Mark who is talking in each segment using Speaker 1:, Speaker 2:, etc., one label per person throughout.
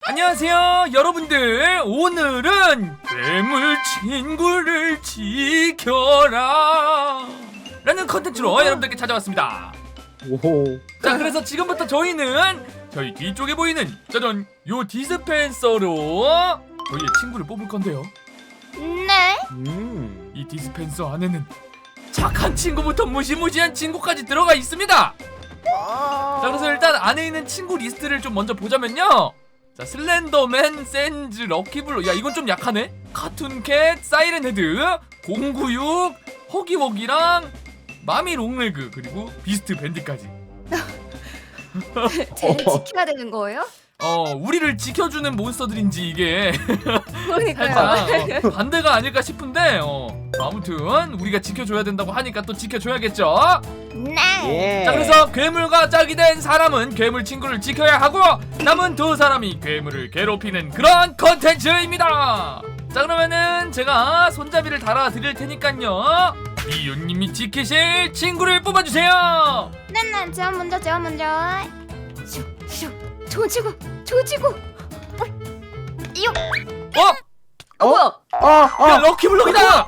Speaker 1: 안녕하세요 여러분들. 오늘은 괴물 친구를 지켜라 라는 컨텐츠로 여러분들께 찾아왔습니다.
Speaker 2: 오호.
Speaker 1: 자, 그래서 지금부터 저희는 저희 뒤쪽에 보이는 짜잔 요 디스펜서로 저희의 친구를 뽑을 건데요.
Speaker 3: 네.
Speaker 1: 이 디스펜서 안에는 착한 친구부터 무시무시한 친구까지 들어가 있습니다. 자, 그래서 일단 안에 있는 친구 리스트를 좀 먼저 보자면요. 자, 슬렌더맨, 센즈, 럭키블루. 야, 이건 좀 약하네. 카툰캣, 사이렌헤드, 096, 허기워기랑 마미 롱레그, 그리고 비스트 밴드까지.
Speaker 3: 쟤를 지켜야 되는 거예요?
Speaker 1: 우리를 지켜주는 몬스터들인지 이게
Speaker 3: 그러니까요.
Speaker 1: 살짝 반대가 아닐까 싶은데 아무튼 우리가 지켜줘야 된다고 하니까 또 지켜줘야겠죠.
Speaker 3: 네.
Speaker 2: 예.
Speaker 1: 자, 그래서 괴물과 짝이 된 사람은 괴물 친구를 지켜야 하고 남은 두 사람이 괴물을 괴롭히는 그런 컨텐츠입니다. 자, 그러면은 제가 손잡이를 달아 드릴 테니까요. 이윤님이 지키실 친구를 뽑아주세요.
Speaker 3: 네네. 제가 먼저. 슉슉. 조지고. 이요. 뭐야?
Speaker 1: 야, 럭키블럭이다. 야,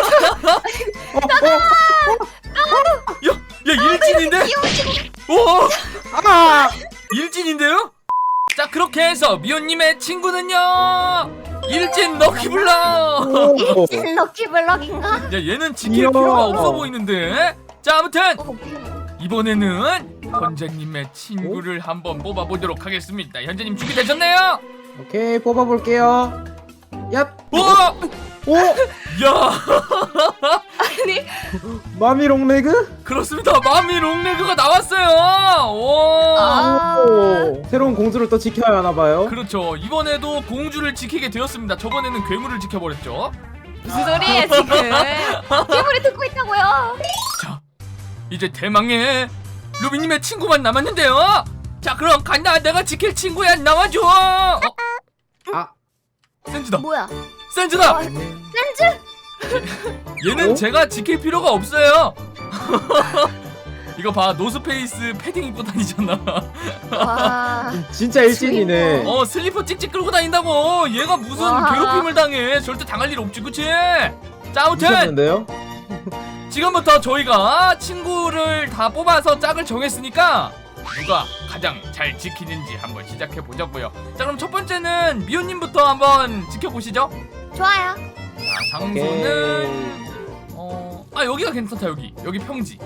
Speaker 1: 일진인데? 오, 일진인데요? 자, 그렇게 해서 미호님의 친구는요, 일진 럭키블럭.
Speaker 3: 일진 럭키블럭인가?
Speaker 1: 야, 얘는 지킬
Speaker 2: 귀여워.
Speaker 1: 필요가 없어 보이는데. 자, 아무튼
Speaker 3: 귀여워.
Speaker 1: 이번에는 현재님의 친구를 한번 뽑아보도록 하겠습니다. 현재님 준비되셨나요?
Speaker 2: 오케이, 뽑아볼게요. 얍.
Speaker 1: 오!
Speaker 2: 오!
Speaker 1: 야,
Speaker 3: 아니.
Speaker 2: 마미 롱레그?
Speaker 1: 그렇습니다. 마미 롱레그가 나왔어요. 오.
Speaker 2: 오. 새로운 공주를 또 지켜야 하나봐요.
Speaker 1: 그렇죠. 이번에도 공주를 지키게 되었습니다. 저번에는 괴물을 지켜버렸죠.
Speaker 3: 무슨 소리예요 지금? 괴물이 듣고 있다고요.
Speaker 1: 자, 이제 대망의 루비님의 친구만 남았는데요. 자, 그럼 간다. 내가 지킬 친구야. 나와줘.
Speaker 2: 아.
Speaker 1: 센즈다.
Speaker 3: 뭐야?
Speaker 1: 센즈다.
Speaker 3: 센즈?
Speaker 1: 얘는
Speaker 2: 어?
Speaker 1: 제가 지킬 필요가 없어요. 이거 봐. 노스페이스 패딩 입고 다니잖아.
Speaker 3: 와.
Speaker 2: 진짜 일진이네.
Speaker 1: 슬리퍼 찍찍 끌고 다닌다고. 얘가 무슨
Speaker 3: 와.
Speaker 1: 괴롭힘을 당해. 절대 당할 일 없지, 그치? 자, 아무튼
Speaker 2: 미쳤는데요?
Speaker 1: 지금부터 저희가 친구를 다 뽑아서 짝을 정했으니까 누가 가장 잘 지키는지 한번 시작해 보자고요. 자, 그럼 첫 번째는 미호님부터 한번 지켜보시죠.
Speaker 3: 좋아요.
Speaker 1: 자, 장소는 여기가 괜찮다. 여기 평지.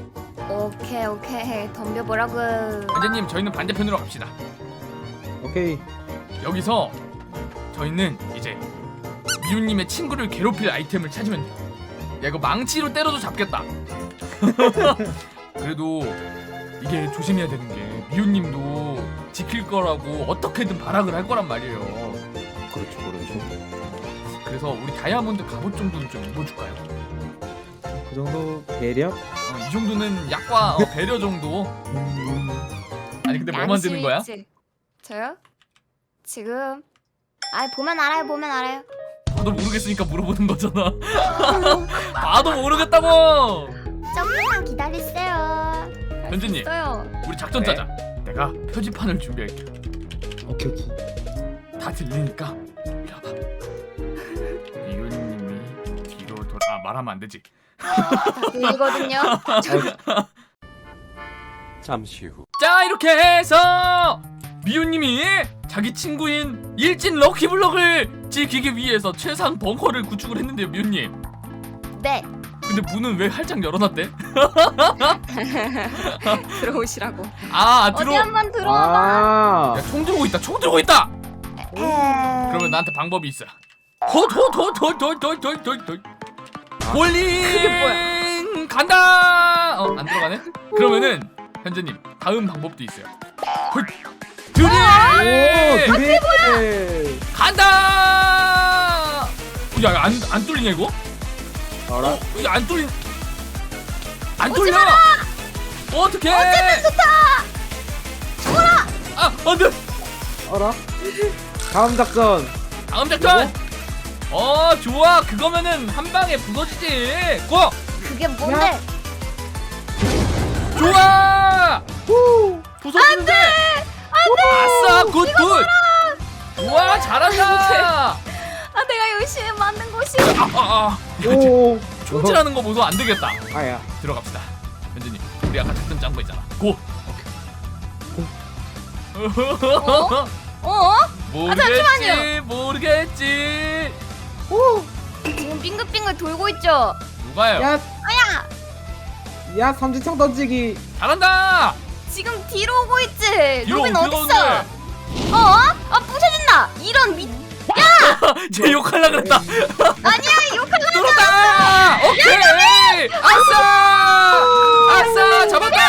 Speaker 3: 오케이. 덤벼보라고.
Speaker 1: 현재님, 저희는 반대편으로 갑시다.
Speaker 2: 오케이.
Speaker 1: 여기서 저희는 이제 미호님의 친구를 괴롭힐 아이템을 찾으면 돼요. 야, 이거 망치로 때려도 잡겠다. 그래도 이게 조심해야 되는 게 미호님도 지킬 거라고 어떻게든 발악을 할 거란 말이에요.
Speaker 2: 그렇죠.
Speaker 1: 그래서 우리 다이아몬드 갑옷 정도는 좀 입어줄까요?
Speaker 2: 그 정도 배려?
Speaker 1: 이 정도는 약과 배려 정도. 아니, 근데 뭐 만드는 거야?
Speaker 3: 양심 있지? 저요? 지금 보면 알아요.
Speaker 1: 나도 모르겠으니까 물어보는 거잖아. 나도 모르겠다고.
Speaker 3: 조금만 기다리세요.
Speaker 1: 현진님,
Speaker 3: 있어요.
Speaker 1: 우리 작전 짜자. 내가 표지판을 준비할게.
Speaker 2: 오케이.
Speaker 1: 다 들리니까 이리 와봐. 이윤님이 뒤로 돌아. 말하면 안 되지.
Speaker 3: 들리거든요.
Speaker 4: 잠시 후.
Speaker 1: 자, 이렇게 해서 미호님이 자기 친구인 일진 럭키블럭을 지키기 위해서 최상 벙커를 구축을 했는데요, 미호님.
Speaker 3: 네.
Speaker 1: 근데 문은 왜 활짝 열어놨대?
Speaker 3: 들어오시라고.
Speaker 1: 들어.
Speaker 3: 어디 한번 들어와봐.
Speaker 2: 아.
Speaker 1: 야, 총 들고 있다. 그러면 나한테 방법이 있어. 홀링
Speaker 3: 그게
Speaker 1: 간다. 안 들어가네? 그러면은 현재님, 다음 방법도 있어요. 드릴
Speaker 2: 오, 그래.
Speaker 1: 간다. 야, 안 뚫리냐 이거?
Speaker 2: 알아?
Speaker 1: 이거 안 뚫려. 어떡해?
Speaker 3: 어쨌든 좋다.
Speaker 1: 안돼.
Speaker 2: 알아? 다음 작전.
Speaker 1: 다음 작전. 좋아. 그거면은 한 방에 부서지지. 고.
Speaker 3: 그게 뭔데?
Speaker 1: 좋아. 부서지는데. 아싸, 굿. 와 잘한다.
Speaker 3: 아 내가 열심히 만든 곳이.
Speaker 2: 오.
Speaker 1: 총질하는 거 보소. 안 되겠다.
Speaker 2: 아야.
Speaker 1: 들어갑시다. 현진님 우리 아까 작전 짠 거 있잖아. 고.
Speaker 3: 어?
Speaker 1: 모르겠지
Speaker 3: 잠시만요.
Speaker 1: 모르겠지.
Speaker 3: 오. 지금 빙글빙글 돌고 있죠.
Speaker 1: 누가요?
Speaker 2: 야,
Speaker 3: 아야.
Speaker 2: 야 삼지창 던지기.
Speaker 1: 잘한다.
Speaker 3: 지금 뒤로 오고 있지.
Speaker 1: 뒤로
Speaker 3: 로빈
Speaker 1: 어떻게
Speaker 3: 어딨어? 아 부셔진다. 이런 미.
Speaker 1: 쟤 욕할라 그랬다.
Speaker 3: 아니야 욕하려.
Speaker 1: 뚫었다. 오케이. 아싸. 아싸 잡았다.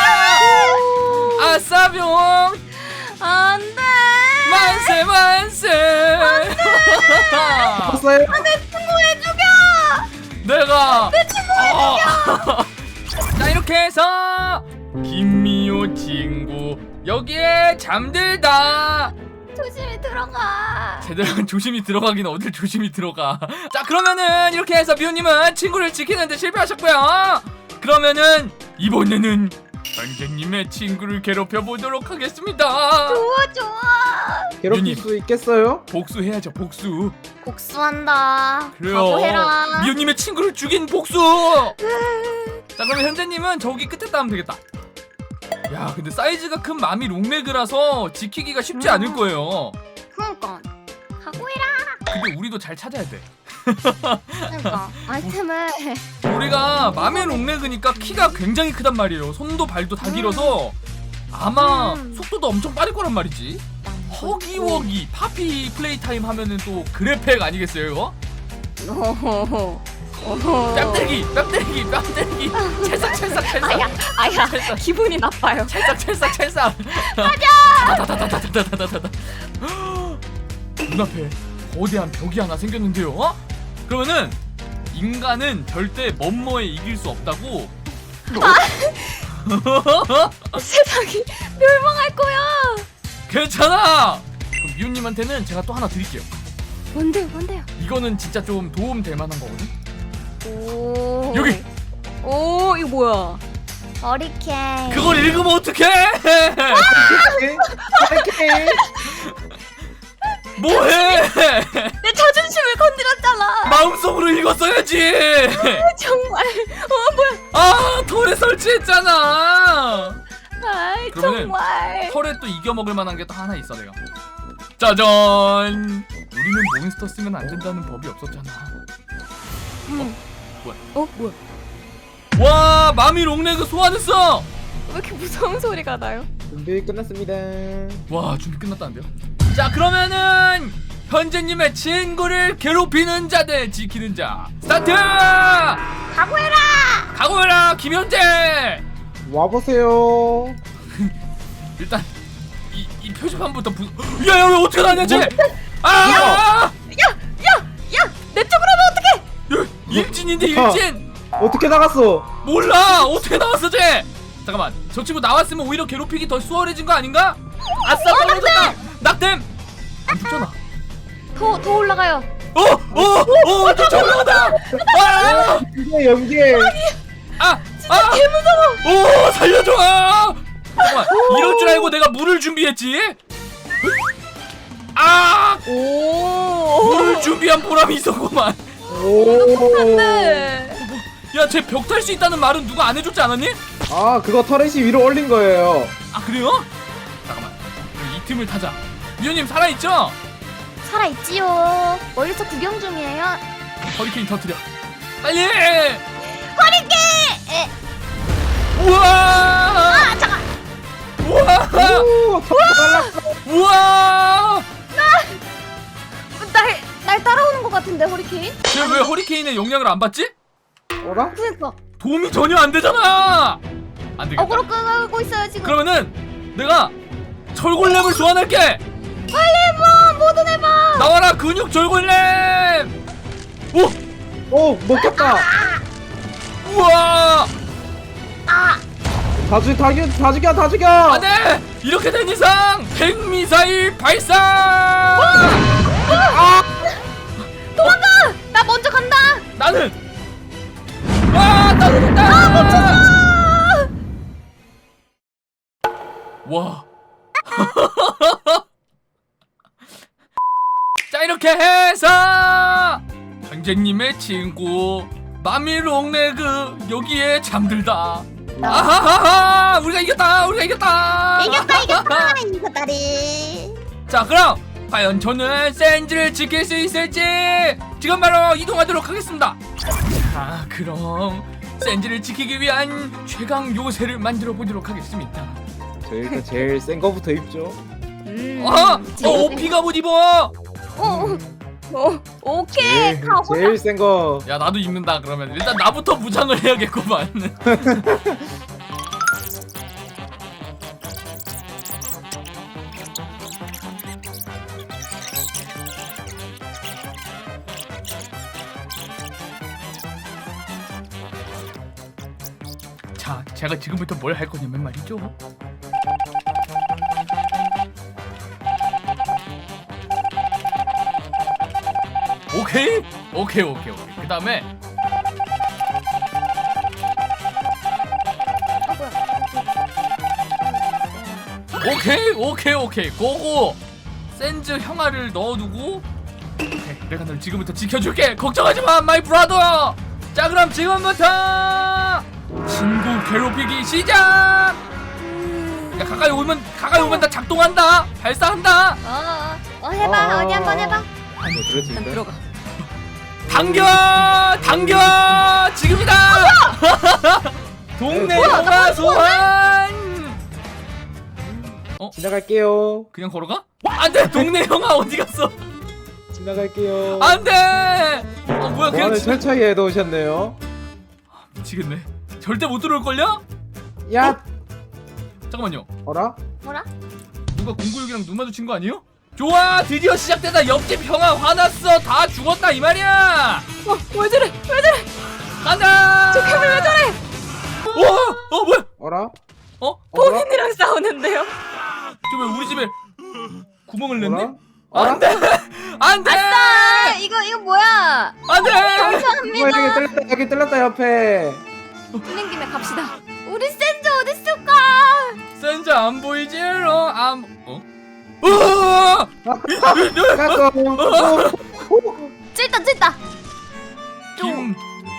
Speaker 1: 아싸 병.
Speaker 3: 안돼.
Speaker 1: 만세 만세.
Speaker 2: 봤어요?
Speaker 3: 내 친구 왜 죽여?
Speaker 1: 내가 내 친구. 자 이렇게 해서 김미호 친구 여기에 잠들다.
Speaker 3: 조심히 들어가.
Speaker 1: 제대로 조심히 들어가긴 어딜 조심히 들어가. 자 그러면은 이렇게 해서 미호님은 친구를 지키는데 실패하셨고요. 그러면은 이번에는 선생님의 친구를 괴롭혀 보도록 하겠습니다.
Speaker 3: 좋아.
Speaker 2: 괴롭힐
Speaker 1: 유님.
Speaker 2: 수 있겠어요?
Speaker 1: 복수해야죠 복수.
Speaker 3: 복수한다.
Speaker 1: 그래요.
Speaker 3: 각오해라.
Speaker 1: 미호님의 친구를 죽인 복수. 자 그러면 현재님은 저기 끝에 따면 되겠다. 야 근데 사이즈가 큰 마미 롱레그라서 지키기가 쉽지 않을 거예요.
Speaker 3: 그러니까 각오해라.
Speaker 1: 근데 우리도 잘 찾아야 돼.
Speaker 3: 그러니까 아이템을.
Speaker 1: 우리가 마미 롱레그니까 키가 굉장히 크단 말이에요. 손도 발도 다 길어서 아마 속도도 엄청 빠를 거란 말이지. 허기워기 파피 플레이 타임 하면은 또 그래팩 아니겠어요 이거? 뺨 때리기 찰싹
Speaker 3: 아야 기분이 나빠요.
Speaker 1: 찰싹 가자. 눈앞에 거대한 벽이 하나 생겼는데요. 그러면은 인간은 절대 뭐뭐에 이길 수 없다고.
Speaker 3: 세상이 멸망할 거야.
Speaker 1: 괜찮아. 그럼 미호님한테는 제가 또 하나 드릴게요.
Speaker 3: 뭔데요?
Speaker 1: 이거는 진짜 좀 도움 될 만한 거거든.
Speaker 3: 오.
Speaker 1: 여기.
Speaker 3: 오 이거 뭐야? 허리케인.
Speaker 1: 그걸 읽으면 어떡해?
Speaker 2: 이렇게.
Speaker 1: 뭐해?
Speaker 3: 내 자존심을 건드렸잖아.
Speaker 1: 마음속으로 읽었어야지.
Speaker 3: 정말. 뭐야?
Speaker 1: 아 털에 설치했잖아.
Speaker 3: 아이
Speaker 1: 그러면은
Speaker 3: 정말.
Speaker 1: 털에 또 이겨먹을 만한 게 또 하나 있어 내가. 짜잔. 우리는 몬스터 쓰면 안 된다는 법이 없었잖아.
Speaker 3: 뭐야?
Speaker 1: 와 마미 롱레그 소환했어.
Speaker 3: 왜 이렇게 무서운 소리가 나요?
Speaker 2: 준비 끝났습니다.
Speaker 1: 와 준비 끝났다는데요? 자 그러면은 현재님의 친구를 괴롭히는 자 대 지키는 자 스타트! 각오해라 김현재.
Speaker 2: 와보세요.
Speaker 1: 일단 이 표지판부터 야야 왜 어떻게 나냐 쟤. 아!
Speaker 3: 야! 내 쪽으로 하면 어떡해?
Speaker 1: 일진인데 일진.
Speaker 2: 어떻게 나갔어?
Speaker 1: 몰라 어떻게 나왔어 쟤. 잠깐만 저 친구 나왔으면 오히려 괴롭히기 더 수월해진 거 아닌가? 아싸 떨어졌다. 낙댐. 안 죽잖아.
Speaker 3: 더 올라가요.
Speaker 1: 또 올라간다.
Speaker 2: 이게 연계.
Speaker 1: 진짜 개무서워. 오 살려줘. 잠깐만 이럴 줄 알고 내가 물을 준비했지.
Speaker 3: 오.
Speaker 1: 물을 준비한 보람이 있었구만.
Speaker 2: 오.
Speaker 3: 네.
Speaker 1: 야 쟤 벽 탈 수 있다는 말은 누가 안 해줬지 않았니?
Speaker 2: 아 그거 터렛이 위로 올린 거예요.
Speaker 1: 아 그래요? 잠깐만 그럼 이 틈을 타자. 미호님 살아있죠?
Speaker 3: 살아있지요. 멀리서 구경 중이에요.
Speaker 1: 허리케인 터뜨려 빨리.
Speaker 3: 허리케인.
Speaker 1: 우와
Speaker 3: 잠깐.
Speaker 1: 우와
Speaker 2: 오, 날랐어.
Speaker 1: 우와
Speaker 3: 날 따라오는 것 같은데 허리케인?
Speaker 1: 쟤 왜 허리케인의 영향을 안 받지?
Speaker 2: 어라?
Speaker 3: 그러니까
Speaker 1: 도움이 전혀 안 되잖아. 안 되겠다.
Speaker 3: 어그로 끄고 있어요 지금.
Speaker 1: 그러면은 내가 절골렘을 소환할게.
Speaker 3: 빨리 해봐. 뭐든 해봐.
Speaker 1: 나와라 근육 절골렘. 오
Speaker 2: 먹혔다.
Speaker 1: 우와
Speaker 2: 다 죽여.
Speaker 1: 안돼. 이렇게 된 이상 핵미사일 발사.
Speaker 3: 도망가. 나 먼저 간다.
Speaker 1: 나는 떨어졌다.
Speaker 3: 멈췄어.
Speaker 1: 와 이렇게 해서 현재님의 친구 마미롱레그 여기에 잠들다. 아하하하, 우리가 이겼다.
Speaker 3: 이겼다 이겼다리.
Speaker 1: 자, 그럼 과연 저는 센즈를 지킬 수 있을지 지금 바로 이동하도록 하겠습니다. 자, 그럼 센즈를 지키기 위한 최강 요새를 만들어 보도록 하겠습니다.
Speaker 2: 저 일단 제일 센 거부터 입죠.
Speaker 1: 오피가 못 입어.
Speaker 3: 오케이 가보자.
Speaker 2: 제일 센 거.
Speaker 1: 야, 나도 입는다. 그러면 일단 나부터 무장을 해야겠구만. 자, 제가 지금부터 뭘 할 거냐면 말이죠. 오케이. 그 다음에 오케이 고고. 센즈 형아를 넣어두고 오케이, 내가 널 지금부터 지켜줄게. 걱정하지마 마이 브라더. 자, 그럼 지금부터 친구 괴롭히기 시작. 야, 가까이 오면 나 작동한다. 발사한다.
Speaker 3: 해봐. 어디 한번 해봐.
Speaker 2: 그렇지.
Speaker 3: 일단 들어가.
Speaker 1: 당겨 지금이다. 동네 영화 소환.
Speaker 2: 지나갈게요.
Speaker 1: 그냥 걸어가? 안돼. 동네 형아 어디 갔어?
Speaker 2: 지나갈게요.
Speaker 1: 안돼. 뭐야, 그냥
Speaker 2: 보안을 철저히 해놓으셨네요.
Speaker 1: 미치겠네. 절대 못 들어올걸요?
Speaker 2: 야,
Speaker 1: 잠깐만요.
Speaker 2: 어라?
Speaker 3: 뭐라?
Speaker 1: 누가 096이랑 눈 마주친 거 아니에요? 좋아, 드디어 시작되다. 옆집 형아 화났어. 다 죽었다 이 말이야.
Speaker 3: 왜 저래?
Speaker 1: 간다.
Speaker 3: 저 괴물 왜 저래?
Speaker 1: 뭐야?
Speaker 2: 어라?
Speaker 1: 어라?
Speaker 3: 본인이랑 싸우는데요?
Speaker 1: 저 왜 우리 집에 구멍을 냈네?
Speaker 2: 어라?
Speaker 1: 안돼.
Speaker 3: 아싸! 이거 뭐야?
Speaker 1: 안돼.
Speaker 3: 감사합니다.
Speaker 2: 여기 뚫렸다 옆에.
Speaker 3: 뚫린 김에 갑시다. 우리 센즈 어딨을까?
Speaker 1: 센즈 안 보이지로 으아!
Speaker 2: 까꿍.
Speaker 3: 찔다.
Speaker 1: 김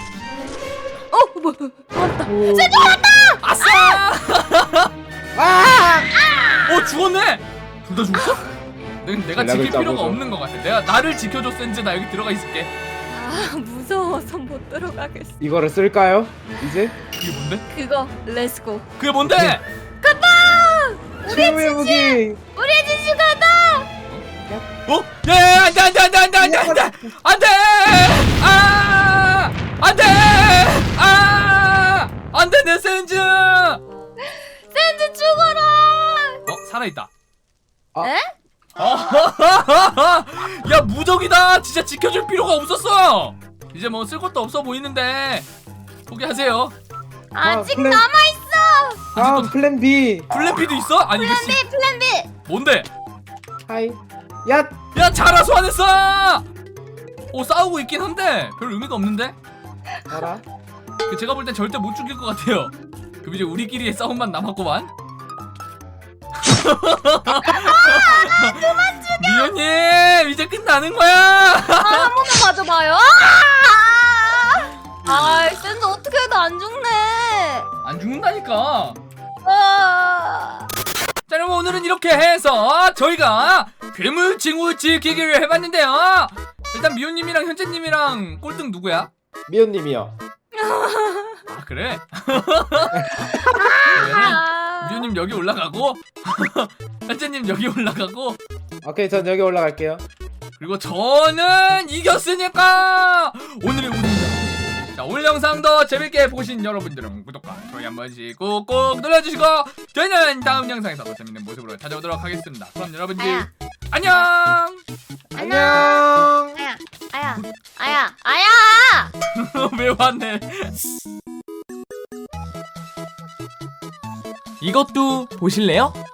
Speaker 3: 맞다.
Speaker 2: 센즈
Speaker 1: 아싸!
Speaker 2: 아!
Speaker 1: 죽었네. 둘 다 죽었어? 내가
Speaker 2: 전략을
Speaker 1: 지킬 필요가
Speaker 2: 짜보죠.
Speaker 1: 없는 것 같아. 나를 지켜줘 센즈. 나 여기 들어가 있을게.
Speaker 3: 무서워서 못 들어가겠어.
Speaker 2: 이거를 쓸까요? 이제?
Speaker 1: 그게 뭔데?
Speaker 3: 그거 렛츠고.
Speaker 1: 그게 뭔데?
Speaker 2: 최후의 무기.
Speaker 3: 우리 지시 가다.
Speaker 1: 야, 안돼. 안돼 내 센즈.
Speaker 3: 센즈 죽어라.
Speaker 1: 살아있다.
Speaker 3: 에?
Speaker 1: 야, 무적이다. 진짜 지켜줄 필요가 없었어. 이제 뭐 쓸 것도 없어 보이는데 포기하세요.
Speaker 3: 아직
Speaker 2: 플랜-
Speaker 3: 남아 있어.
Speaker 2: 다음 플랜 B.
Speaker 1: 플랜 B도 있어? 아니 이거
Speaker 3: 플랜 B.
Speaker 1: 뭔데?
Speaker 2: 하이. 야,
Speaker 1: 야, 자라 소환했어. 싸우고 있긴 한데 별 의미가 없는데.
Speaker 2: 알아?
Speaker 1: 제가 볼 땐 절대 못 죽일 것 같아요. 그럼 이제 우리끼리의 싸움만 남았구만. 그만 죽여. 미연님 이제 끝나는 거야.
Speaker 3: 한 번만 맞아봐요. 센즈 어떻게 해도 안 죽네.
Speaker 1: 안 죽는다니까.
Speaker 3: 아.
Speaker 1: 자, 여러분 오늘은 이렇게 해서 저희가 괴물 친구 지키기를 해봤는데요. 일단 미호님이랑 현재님이랑 꼴등 누구야?
Speaker 2: 미연님이요.
Speaker 1: 아, 그래? 그러면은 미호님 여기 올라가고 현재님 여기 올라가고
Speaker 2: 오케이, 전 여기 올라갈게요.
Speaker 1: 그리고 저는 이겼으니까 오늘의 우승자. 자, 오늘 영상도 재밌게 보신 여러분들은 구독과 좋아요 한 번씩 꾹꾹 눌러주시고 저희는 다음 영상에서 더 재밌는 모습으로 찾아오도록 하겠습니다. 그럼 여러분들 안녕.
Speaker 2: 안녕.
Speaker 3: 아야.
Speaker 1: 왜 왔네? 이것도 보실래요?